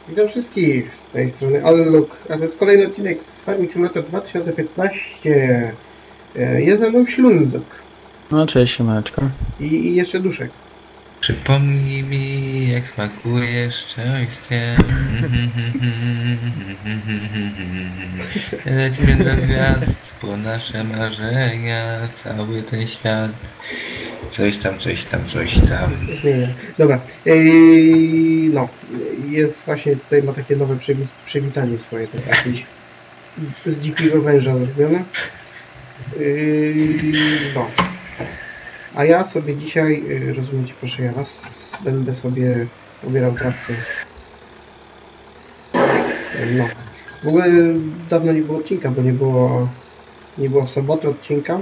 Witam wszystkich z tej strony Alluk, a to jest kolejny odcinek z Farming Simulator 2015. Jest ze mną Ślunzok. No cześć, siemaneczko. I jeszcze Duszek. Przypomnij mi, jak smakuje szczęście. Lecimy do gwiazd po nasze marzenia, cały ten świat. Coś tam. Zmienia. Dobra. No, jest właśnie tutaj, ma takie nowe przywitanie swoje, tak jakieś z dzikiego węża zrobione. No. A ja sobie dzisiaj, rozumiecie, proszę ja was, będę sobie pobierał trawkę. No. W ogóle dawno nie było odcinka, bo nie było w sobotę odcinka.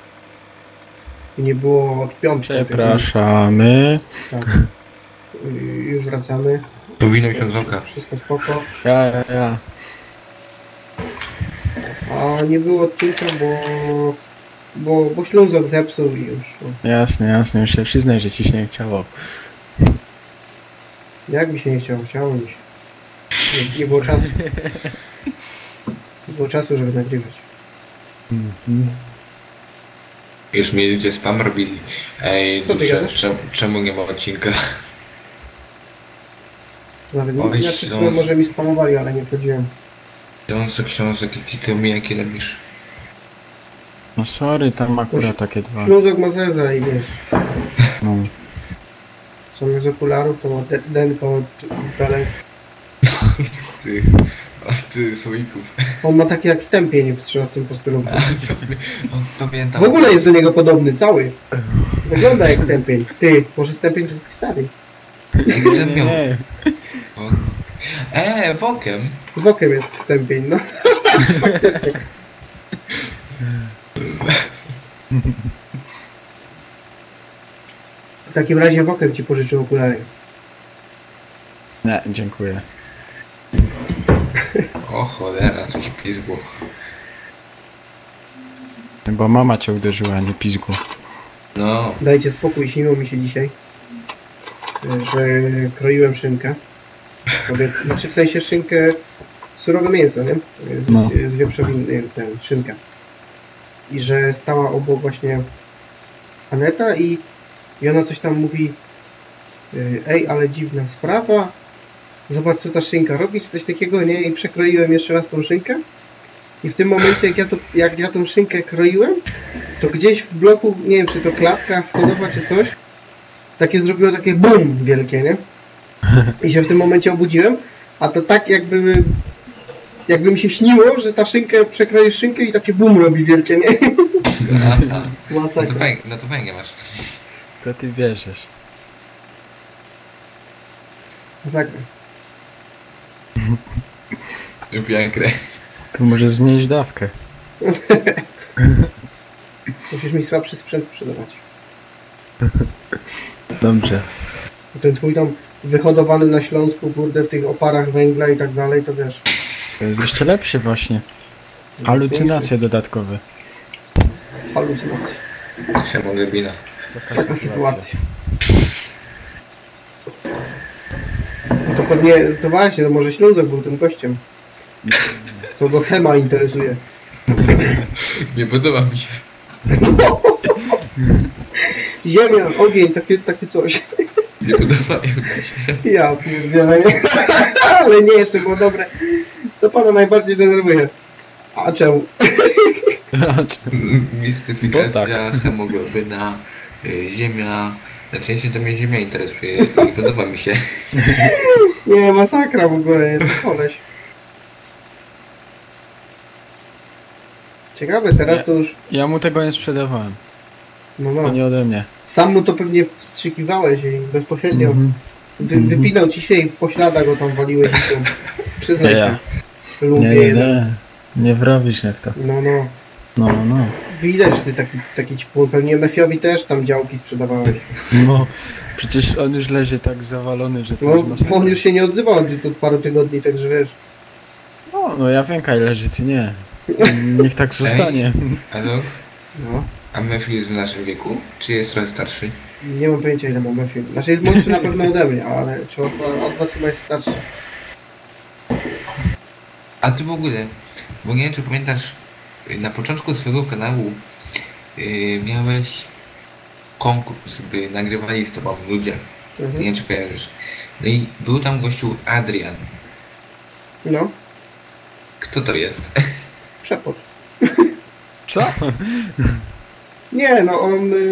I nie było od piątku. Przepraszamy. Tak. Już wracamy. Powinno się z oka. Wszystko spoko. Ja. A nie było odcinka, bo Ślązok zepsuł i już. Jasne, już się przyznaj, że ci się nie chciało. Jak mi się nie chciało? Chciało mi się. Nie było czasu. Nie było czasu, żeby nagrywać. Już mi ludzie spam robili. Ej, Co ty dusze, gadasz? czemu nie ma odcinka? Nawet Oj, nie Śląsk. może mi spamowali, ale nie wchodziłem. Książek, jaki to mijaki robisz? No sorry, tam akurat takie dwa. Ślązok ma zeza i wiesz. No. Zamiast okularów to ma denko od belek. Ty słoików. On ma taki jak stępień w 13 posterunku. Pamiętam. W ogóle jest do niego podobny, cały. Wygląda jak stępień. Ty, może stępień to twój stary. Nie. Wokiem. Wokiem jest stępień, no. W takim razie Wokem ci pożyczył okulary. Nie, dziękuję. O cholera, coś pizgło. Bo mama cię uderzyła, a nie pizgu. No. Dajcie spokój, śniło mi się dzisiaj, że kroiłem szynkę. Sobie, znaczy w sensie szynkę, surowe mięso, nie? Z wieprzowiny, szynka. I że stała obok właśnie Aneta i ona coś tam mówi: ej, ale dziwna sprawa, zobacz co ta szynka robi, czy coś takiego, nie? I przekroiłem jeszcze raz tą szynkę. I w tym momencie, jak ja tą szynkę kroiłem, to gdzieś w bloku, nie wiem, czy to klatka schodowa, czy coś, takie zrobiło takie BUM wielkie, nie? I się w tym momencie obudziłem, a to tak jakby mi się śniło, że ta szynkę, przekroisz szynkę i takie BUM robi wielkie, nie? Masakra. No to fajnie masz. To ty wierzysz. Masakra. Wiagrę. Tu możesz zmienić dawkę. Musisz mi słabszy sprzęt sprzedawać. Dobrze. Ten twój tam wyhodowany na Śląsku, kurde, w tych oparach węgla i tak dalej, to wiesz. To jest jeszcze lepszy właśnie. Halucynacje dodatkowe. Halucynacje. Hemoglobina. Taka sytuacja. No to pewnie, to właśnie, to może Ślązok był tym gościem. Co go chema interesuje. Nie podoba mi się. Ziemia, ogień, takie coś. Nie podoba mi się. Ja pierdzielę, nie? Ale nie, jeszcze było dobre. Co pana najbardziej denerwuje? A czemu? Mistyfikacja, hemoglobina, ziemia. Znaczy to mnie ziemia interesuje. Nie podoba mi się. Nie, masakra w ogóle, nie, co koleś. Ciekawe, teraz to już... Ja mu tego nie sprzedawałem. No. To nie ode mnie. Sam mu to pewnie wstrzykiwałeś i bezpośrednio wypinał ci się i w pośladach go tam waliłeś i to... Przyznaj się. Nie wrobisz jak to. No. Widać, że ty taki ci pewnie Mefiowi też tam działki sprzedawałeś. No, przecież on już leży tak zawalony, że to No, już on już się nie odzywał od paru tygodni, także wiesz. No ja wiem, kaj leży, ty nie. Niech tak zostanie. Halo? No. A Mefi jest w naszym wieku? Czy jest trochę starszy? Nie mam pojęcia, ile ma Mefi. Znaczy jest młodszy na pewno ode mnie, ale czy od was chyba jest starszy. A ty w ogóle, bo nie wiem czy pamiętasz, na początku swojego kanału miałeś konkurs, by nagrywali z tobą ludzie. Mhm. Nie wiem czy kojarzysz. No i był tam gościu Adrian. No, Kto to jest? przepot. Co? Nie, no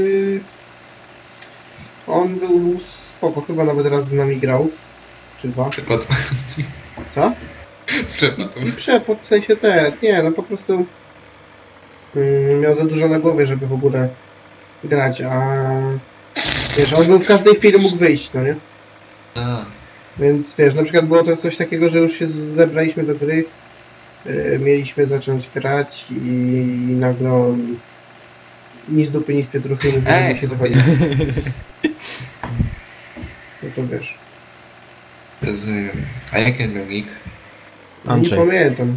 on był spoko, chyba nawet raz z nami grał. Czy dwa. Przykład. Co? Przykład. I przepot, w sensie nie, no po prostu miał za dużo na głowie, żeby w ogóle grać, a wiesz, on był w każdej chwili mógł wyjść, no nie? A, Więc wiesz, na przykład było to coś takiego, że już się zebraliśmy do gry, mieliśmy zacząć grać i nagle on ni z dupy, ni z pietruchy mówi, że musi dochodzić. No to wiesz. rozumiem. A jaki on miał nick? Nie Andrzej. pamiętam.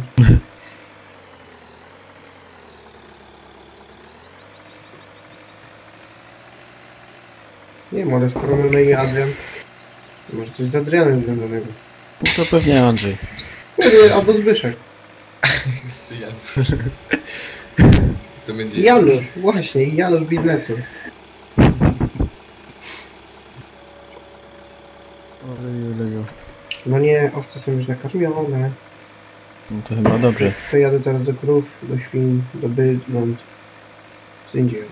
Nie wiem, ale skoro mam na imię Adrian, to może coś z Adrianem związanego. No to pewnie Andrzej. Albo Zbyszek. To Janusz. To będzie... Janusz, właśnie, Janusz biznesu. Oleju. No nie, owce są już nakarmione. No to chyba dobrze. To jadę teraz do krów, do świn, do bydląt. Co indziej.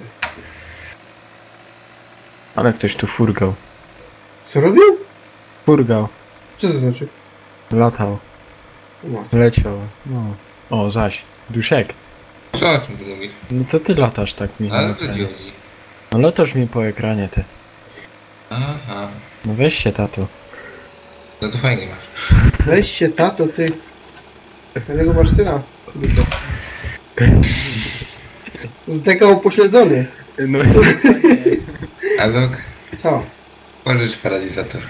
Ale ktoś tu furgał. Co robił? Furgał. Co to znaczy? Latał. No. Leciał. No. O, zaś. Duszek. Co o czym tu mówisz? No to ty latasz tak mi. Ale o co ci chodzi? No latasz mi po ekranie ty. Aha. No weź się tato. No to fajnie masz. Weź się, tato, ty. Jakiego masz syna? Z tego upośledzony. No Adok, Co? pożycz paralizator.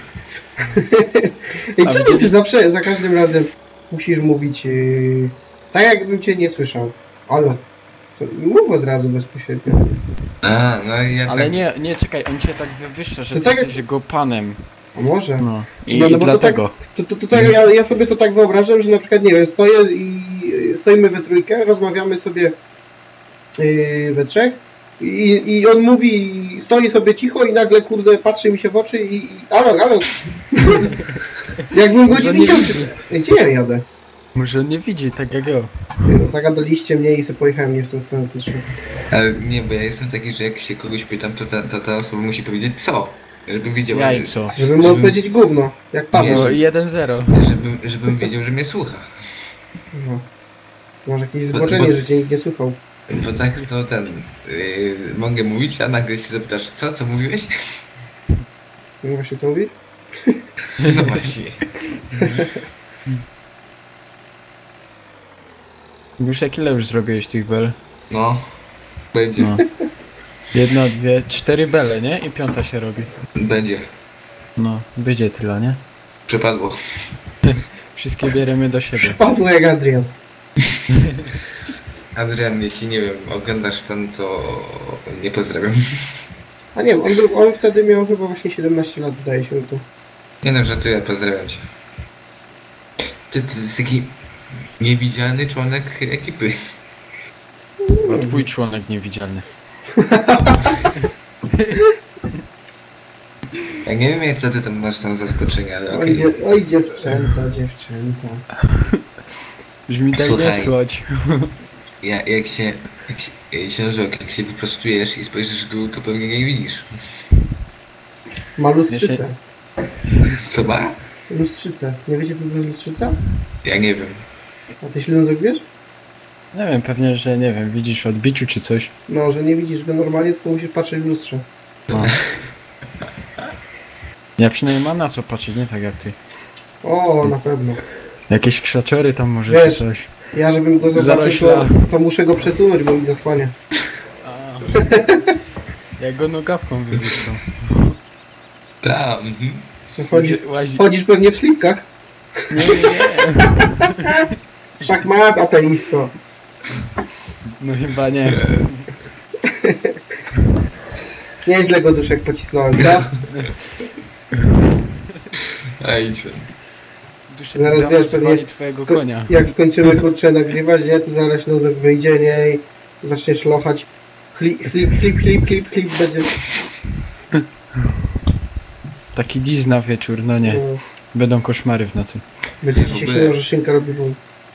I A czemu widzieli- ty zawsze, za każdym razem musisz mówić tak jakbym cię nie słyszał? Halo. To mów od razu bezpośrednio. A, no i ja ale tak... nie, czekaj, on cię tak wywyższa, że To ty tak- jesteś jego panem. A może? No. No, I bo to dlatego. To tak, ja sobie to tak wyobrażam, że na przykład, nie wiem, stoimy we trójkę, rozmawiamy sobie we trzech i on mówi, stoi sobie cicho i nagle, kurde, patrzy mi się w oczy i alo. Jakbym go nie Może nie widział. widzi. Gdzie ja jadę? Może on nie widzi tak jak ja. Zagadaliście mnie i sobie pojechałem nie w tą stronę, co trzeba. Ale nie, bo ja jestem taki, że jak się kogoś pytam, to ta osoba musi powiedzieć co? Żeby wiedziała, Jajco. Żeby mu odpowiedzieć gówno, jak Paweł. No 1-0. żebym wiedział, że mnie słucha. No. Może jakieś zboczenie, że cię nikt nie słuchał. Bo tak to mogę mówić, a nagle się zapytasz, co mówiłeś? No właśnie co mówisz? No właśnie. Duszek, ile już zrobiłeś tych bel? No, będzie, No. 1, 2, 4 bele, nie? I 5 się robi. będzie. No, będzie tyle, nie? Przepadło. Wszystkie bierzemy do siebie. Paweł jak Adrian. Adrian, jeśli nie wiem, oglądasz ten, co nie pozdrawiam. A nie wiem, on wtedy miał chyba właśnie 17 lat, zdaje się to. Nie no, żartuję, pozdrawiam cię. Ty jesteś taki niewidzialny członek ekipy. Bo twój członek niewidzialny. Ja nie wiem, jak to ty tam masz tam zaskoczenia, ale okej. Oj dziewczęta. Już mi tak nie Słuchaj. słać. Jak się wyprostujesz i spojrzysz w dół, to pewnie nie widzisz. Ma lustrzycę. Co ma? Lustrzycę. Nie wiecie co to jest lustrzyca? Ja nie wiem. A ty śledzą zrobisz? Nie wiem, pewnie, że nie wiem, widzisz w odbiciu czy coś. No, że nie widzisz go normalnie, tylko musisz patrzeć w lustrze. No. Ja przynajmniej mam na co patrzeć, nie tak jak ty. O, na pewno. Jakieś krzaczory tam może Wiesz, czy coś. Ja żebym go zobaczył, Zarośla. to muszę go przesunąć, bo mi zasłania. Jak go nogawką wypuszczą. Tam. Chodzisz pewnie w slipkach. Nie. Szachmat, ateisto. No chyba nie. Nieźle go Duszek pocisnąłem, co? Ej, duszę Zaraz Bidama wiesz, pewnie zwali twojego konia. jak skończymy kurczę nagrywać, nie, to zaraz Ślązek wyjdzie, nie, i zaczniesz lochać. Chlip, będzie. Taki dziś na wieczór, no nie. No, Będą koszmary w nocy. będzie Nie, ci w się ogóle- śniło, że szynka robi bum.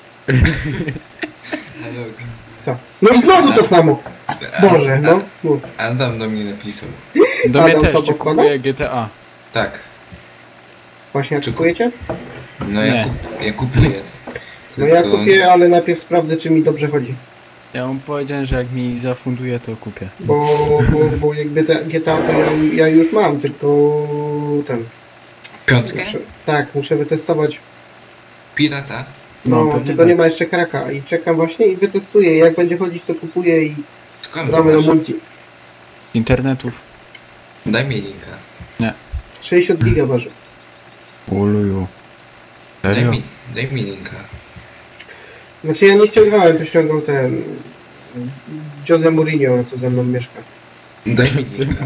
Ale Co? No i znowu to samo! Boże, no, mów. Adam do mnie napisał. Do mnie Adam też, słabo czy wkłada? kupuję GTA. Tak. Właśnie, Czy- kupujecie? No Nie. ja kupuję. No ja Tylko- kupię, ale najpierw sprawdzę, czy mi dobrze chodzi. Ja mu powiedziałem, że jak mi zafunduje, to kupię. Bo jakby te GTA to ja już mam, tylko ten. Piątkę? Muszę wytestować. Pirata? No, pewnie tylko tak. nie ma jeszcze kraka i czekam właśnie i wytestuję. Jak będzie chodzić, to kupuję i Skąd gramy na masz? multi. Internetów. Daj mi linka. 60 giga waży. Uluju. Serio? Daj mi linka. Znaczy ja nie ściągałem, to ściągał ten Jose Mourinho, co ze mną mieszka. Daj mi linka.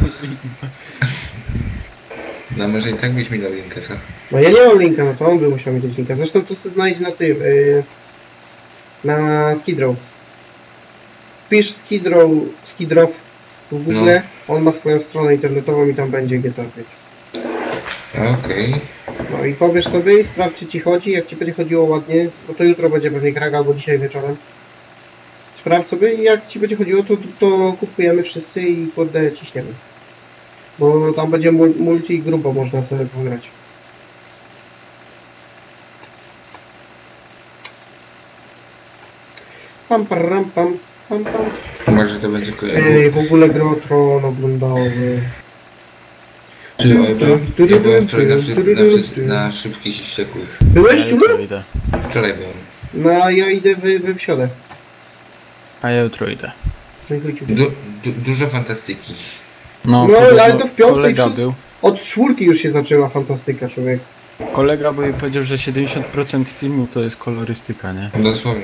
No może i tak byś mi dał linkę, co? No ja nie mam linka, no to on by musiał mieć linka. Zresztą to sobie znajdź na tym, na Skidrow. Pisz Skidrow w Google, on ma swoją stronę internetową i tam będzie GTA 5. Okej. No i pobierz sobie i sprawdź, czy ci chodzi. Jak ci będzie chodziło ładnie, no to jutro będzie pewnie krak albo dzisiaj wieczorem. Sprawdź sobie i jak ci będzie chodziło, to kupujemy wszyscy i kurde ciśniemy. Bo tam będzie multi i grubo można sobie pograć. Pam, pam. Może to będzie Ej, w ogóle Gry o Tron oglądały. Ty, ja byłem wczoraj na szybkich i wściekłych. Byłeś, Ja Ciulu? jutro idę. Wczoraj byłem. No, ja idę w środę. A ja jutro idę. No i chuj ci. Dużo fantastyki. No, podobno ale to w piątek kolega wszyscy- był. Od czwórki już się zaczęła fantastyka, człowiek. Kolega był i powiedział, że 70% filmu to jest kolorystyka, nie? Dosłownie.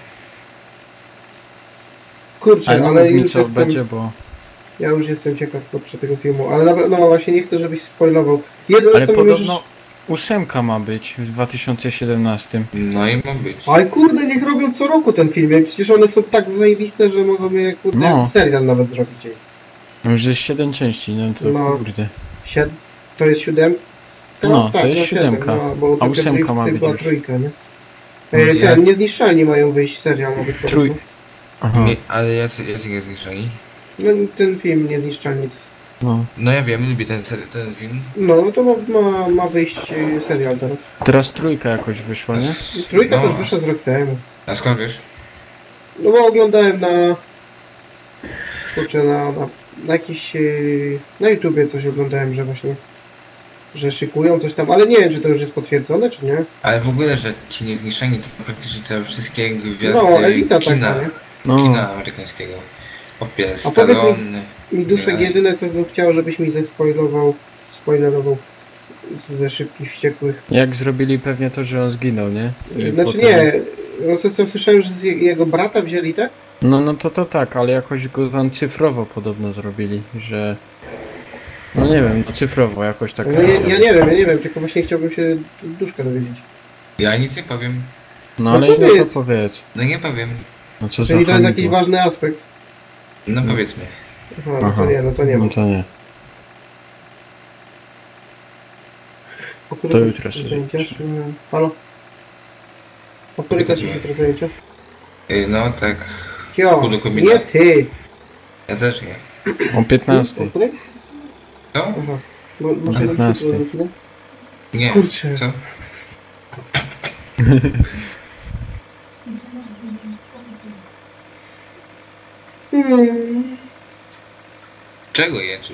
Kurczę, Ale ale mów mi już co jestem, będzie, bo... ja już jestem ciekaw podczas tego filmu, ale no właśnie nie chcę, żebyś spoilował. Jedyne Ale co mi podobno 8 ma być w 2017. No i ma być. Ale kurde, niech robią co roku ten film, jak przecież one są tak zajebiste, że mogą je kurde No. serial nawet zrobić. Już jest 7 części, no to No. kurde. To jest 7? No, to jest 7, 7, no, bo a Tokyo 8 Drift ma być była już. trójka, nie? Ja- Ten, Niezniszczalni mają wyjść, serial ma być Trój- podobno. Aha, Nie, ale jacy nie zniszczeni? No, ten film Niezniszczalni. no. No ja wiem, lubię ten film. No to ma wyjść serial teraz. Teraz trójka jakoś wyszła, nie? Trójka No. też wyszła z rok temu. A skąd wiesz? No bo oglądałem kurczę, na jakiś, na YouTubie coś oglądałem, że właśnie, że szykują coś tam, ale nie wiem, czy to już jest potwierdzone, czy nie. Ale w ogóle, że ci niezniszczeni to praktycznie te wszystkie gwiazdy No, elita kina, taka, nie? No, kina amerykańskiego. Opie, A powiedz mi- Stallone. Mi Duszek Nie. jedyne, co bym chciał, żebyś mi spoilerował ze Szybkich Wściekłych. jak zrobili pewnie to, że on zginął, nie? Znaczy Potem- nie, no co słyszałem, że z jego brata wzięli, tak? No to tak, ale jakoś go tam cyfrowo podobno zrobili, że... No nie wiem, no cyfrowo jakoś tak. No ja nie wiem, tylko właśnie chciałbym się Duszka dowiedzieć. Ja nic nie powiem. No No ale no powiedz. to powiedz. No nie powiem. No co za Czyli to jest hamidło. jakiś ważny aspekt. No powiedzmy. Aha, no to Aha. nie, no to nie ma. No to nie. O której To kończy jutro się sobie zajęcia? Halo? O której kończy się to zajęcia? No tak. Cio, Pół do komina. nie ty! Ja też nie. O 15. O której? Co? Aha. Można 15. na chwilę? Nie. Kurczę. Co? Czego jeczysz?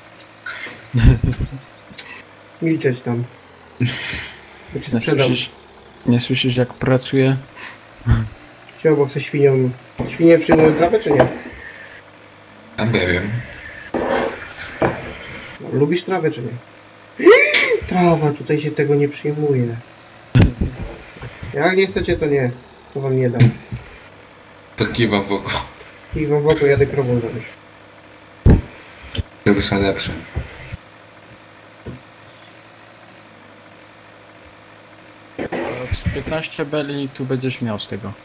Milczeć tam. Bo cię Nie sprzedam. nie słyszysz jak pracuję? Cio, bo chcę świnią. Świnie przyjmują trawę, czy nie? A ja wiem. No, lubisz trawę, czy nie? Trawa, tutaj się tego nie przyjmuje. Jak nie chcecie, to nie. To wam nie dam. To kiwam w oko. I wam w oko jadę krową zabić. Żeby są lepsze. z 15 beli tu będziesz miał z tego.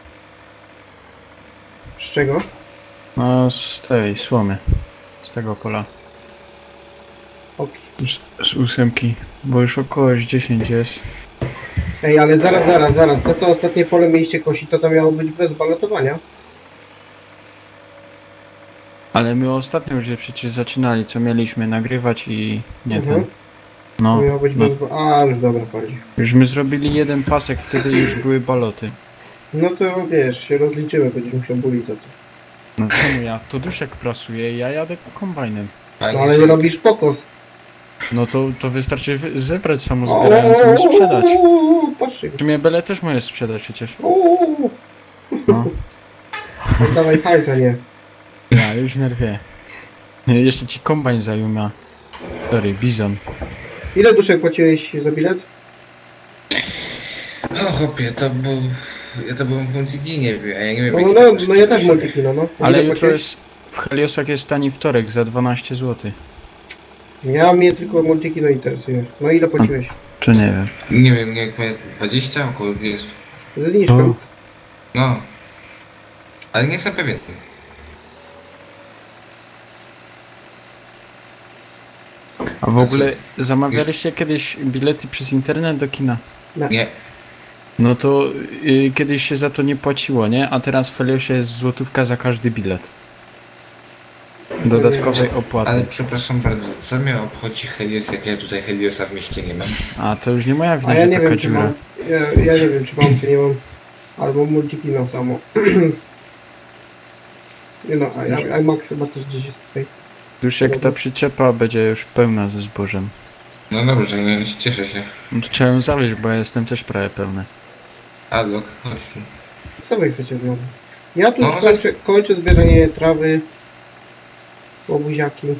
Z czego? No z tej słomy. Z tego pola. Oki. Z 8, bo już około 10 jest. Ej, ale zaraz. To co ostatnie pole mieliście kosić, to miało być bez balotowania. Ale my ostatnio już je przecież zaczynali, co mieliśmy nagrywać i nie ten. To No, miało być no. bez... A, już dobra, bardziej. Już my zrobili jeden pasek, wtedy już były baloty. No to wiesz, się rozliczymy, będziesz musiał bulić za to. No czemu ja? To Duszek prasuje, ja jadę kombajnem. No ale nie robisz pokos. No to wystarczy zebrać samozbierającą i sprzedać. Patrzcie. W sumie bele też możesz sprzedać przecież. No. Dawaj hajsa, nie. Ja już nerwie. Jeszcze ci kombajn zajmie. Sorry, bizon. Ile duszek płaciłeś za bilet? No chłopie, ja to byłem w Multiginie, a ja nie wiem No ja też Multikino, no. Ale Ile jutro płaciłeś? jest... W Heliosach jest tani wtorek za 12 zł. Mnie tylko Multikino interesuje. No ile płaciłeś? Czy nie wiem. Nie wiem, jak 20 około 20. Ze zniżką? No. Ale nie jestem pewien. A w ogóle zamawialiście kiedyś bilety przez internet do kina? Nie. No to kiedyś się za to nie płaciło, nie? A teraz w Heliosie jest złotówka za każdy bilet. Dodatkowej opłaty. Ale przepraszam bardzo, co mnie obchodzi Helios, jak ja tutaj Heliosa w mieście nie mam? A to już nie moja wina, A ja że nie taka wiem, czy dziura. mam. Ja nie wiem, czy mam, czy nie mam. Albo Multikino samo. Nie no, a IMAX chyba też gdzieś jest tutaj. Już jak ta przyczepa będzie już pełna ze zbożem. No dobrze, no, cieszę się. No to trzeba ją zawieźć, bo ja jestem też prawie pełny. Alok, chodź tu. Co wy chcecie znowu? Ja tu No, już kończę zbieranie trawy. Łobuziaki.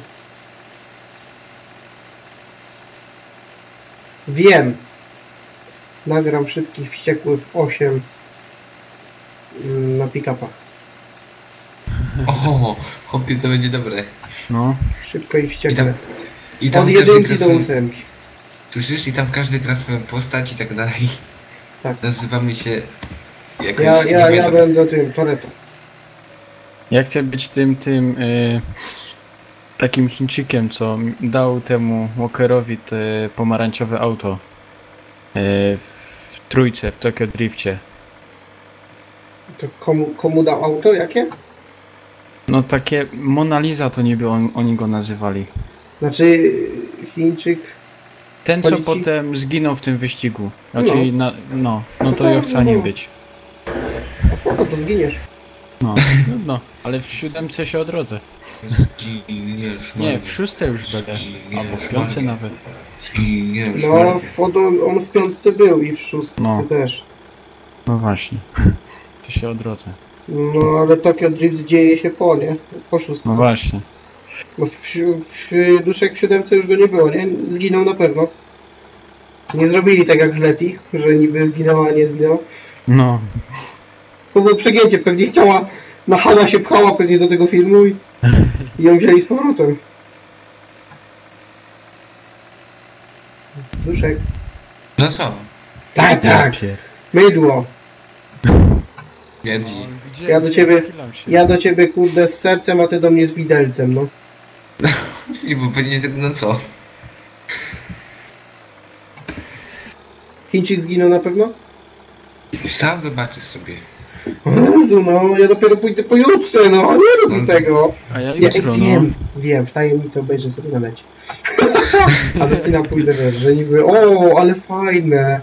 Wiem. Nagram wszystkich wściekłych 8 na pick-upach. O, chłopie, to będzie dobre. No. Szybko i wściekle. I tam Od każdy 1 gra do swoją- 8. Słyszysz? I tam każdy gra swoją postać i tak dalej. Tak. Nazywamy się... jakoś... Ja nie pamiętam. będę tym Toretto. Ja chcę być tym takim Chińczykiem, co dał temu Walkerowi te pomarańczowe auto w trójce, w Tokyo Drifcie. To komu dał auto? Jakie? No takie Mona Lisa to niby oni go nazywali. Znaczy Chińczyk. Ten, co Chodzi ci- potem zginął w tym wyścigu. Znaczy, no to ja chcę nim być. No to zginiesz. No, ale w 7 się odrodzę. Zginiesz, Nie, w 6 już będę. Albo w 5 nawet. Zginiesz, No on w 5 był i w 6 No. też. No właśnie. To się odrodzę. No ale Tokyo Drift dzieje się nie? Po 6. No właśnie. Bo w Duszek w 7 już go nie było, nie? Zginął na pewno. Nie zrobili tak jak z Leti, że niby zginęła, a nie zginęła. No. To było przegięcie, pewnie chciała, na hała się pchała pewnie do tego filmu i ją wzięli z powrotem. Duszek. No co? Tak, mydło. Wiedzi. Ja do ciebie kurde z sercem, a ty do mnie z widelcem, no. I bo pewnie tak, no co? Chińczyk zginął na pewno? Sam zobaczysz sobie. O Jezu, no, ja dopiero pójdę pojutrze, no, nie rób mi tego. A ja Ja jutro, wiem, w tajemnicy obejrzę sobie na necie. A do kina pójdę, wiesz, że niby, ale fajne.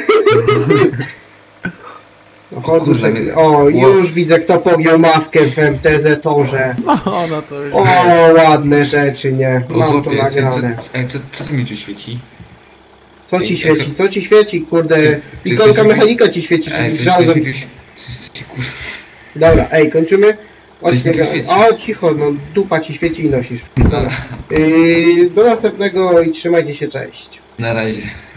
Już widzę, kto pogiął maskę w MTZ torze. No to już. O, ładne rzeczy, nie? Mam to nagrane. Co tu mi tu świeci? Co ci świeci? Co ci świeci, kurde? Ty Ikonka coś mechanika ci świeci, żazem. Dobra, kończymy? Cicho, no dupa ci świeci i nosisz. Dobra. Do następnego i trzymajcie się, cześć. Na razie.